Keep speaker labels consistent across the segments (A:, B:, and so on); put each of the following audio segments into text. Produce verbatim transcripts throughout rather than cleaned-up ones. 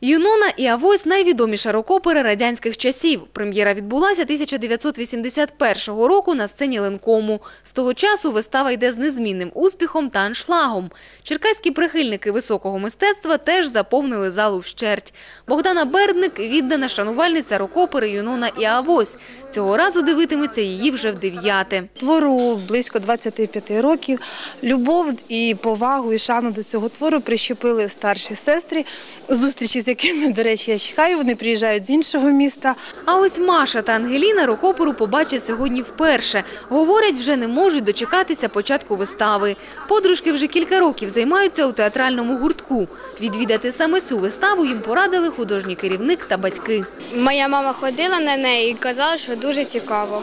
A: Юнона і Авось – найвідоміша рок-опера радянських часів. Прем'єра відбулася тисяча дев'ятсот вісімдесят першого року на сцені Ленкому. З того часу вистава йде з незмінним успіхом та аншлагом. Черкаські прихильники високого мистецтва теж заповнили залу вщерть. Богдана Бердник – віддана шанувальниця рок-опери Юнона і Авось. Цього разу дивитиметься її вже в дев'яте.
B: Твору близько двадцяти п'яти років. Любов і повагу, і шану до цього твору прищепили старші сестри, зустрічі з якими, до речі, я чекаю, вони приїжджають з іншого міста.
A: А ось Маша та Ангеліна рок-оперу побачать сьогодні вперше. Говорять, вже не можуть дочекатися початку вистави. Подружки вже кілька років займаються у театральному гуртку. Відвідати саме цю виставу їм порадили художній керівник та батьки.
C: Моя мама ходила на неї і казала, що дуже цікаво.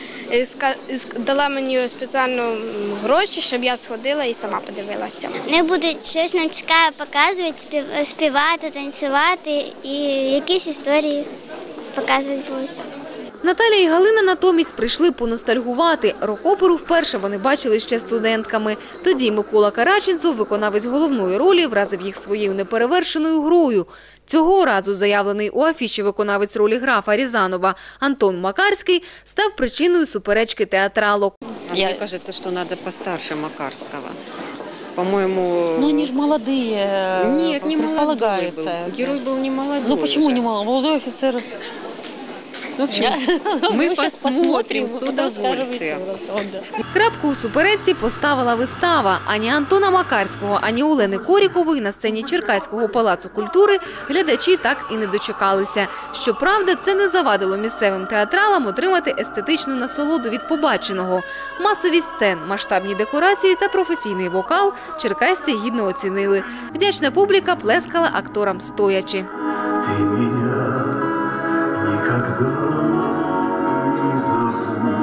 C: Дала мені спеціально гроші, щоб я сходила і сама подивилася.
D: Вони будуть щось нам цікаве показувати, співати, танцювати і якісь історії показувати будуть.
A: Наталя і Галина натомість прийшли поностальгувати. Рок-оперу вперше вони бачили ще студентками. Тоді Микола Караченцов, виконавець головної ролі, вразив їх своєю неперевершеною грою. Цього разу заявлений у афіші виконавець ролі графа Рязанова Антон Макарський став причиною суперечки театралок.
E: Мне кажется, что надо постарше Макарского. По-моему...
F: Ну, они же молодые.
E: Нет, не молодой был. Герой был не молодой.
F: Ну, почему
E: уже.
F: не молодой? Молодой офицер.
E: Ну, в общем, мы посмотрим с удовольствием.
A: Крапку у суперечці поставила вистава. Ані Антона Макарського, ані Олени Корікової на сцені Черкаського палацу культури глядачі так і не дочекалися. Щоправда, це не завадило місцевим театралам отримати естетичну насолоду від побаченого. Масовість сцен, масштабні декорації та професійний вокал черкасці гідно оцінили. Вдячна публіка плескала акторам стоячи.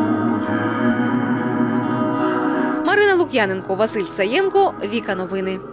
A: Марина Лук'яненко, Василь Саєнко, Віка Новини.